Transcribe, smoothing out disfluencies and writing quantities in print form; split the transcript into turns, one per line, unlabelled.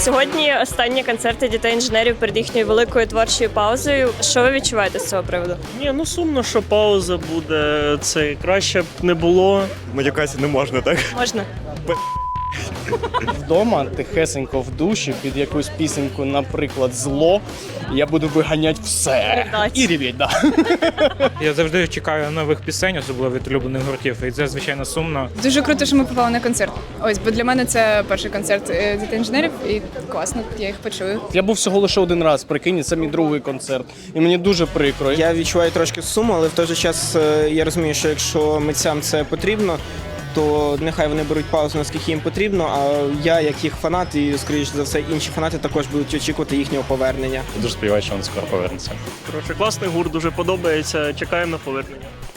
Сьогодні останні концерти дітей-інженерів перед їхньою великою творчою паузою. Що ви відчуваєте з цього приводу?
Ні, сумно, що пауза буде. Це краще б не було.
Матюкатися не можна, так?
Можна?
Вдома тихесенько в душі під якусь пісеньку, наприклад, зло, я буду виганяти все.
Ридать.
І ревіть, да.
Я завжди чекаю нових пісень, особливо від улюблених гуртів, і це, звичайно, сумно.
Дуже круто, що ми попали на концерт. Ось, бо для мене це перший концерт дітей-інженерів, і класно, я їх почую.
Я був всього лише один раз, прикинь, це мій другий концерт. І мені дуже прикро.
Я відчуваю трошки суму, але в той же час я розумію, що якщо митцям це потрібно, то нехай вони беруть паузу, наскільки їм потрібно, а я, як їх фанат, і, скоріш за все, інші фанати також будуть очікувати їхнього повернення.
Дуже сподіваюся, що він скоро повернеться.
Коротше, класний гурт, дуже подобається. Чекаємо на повернення.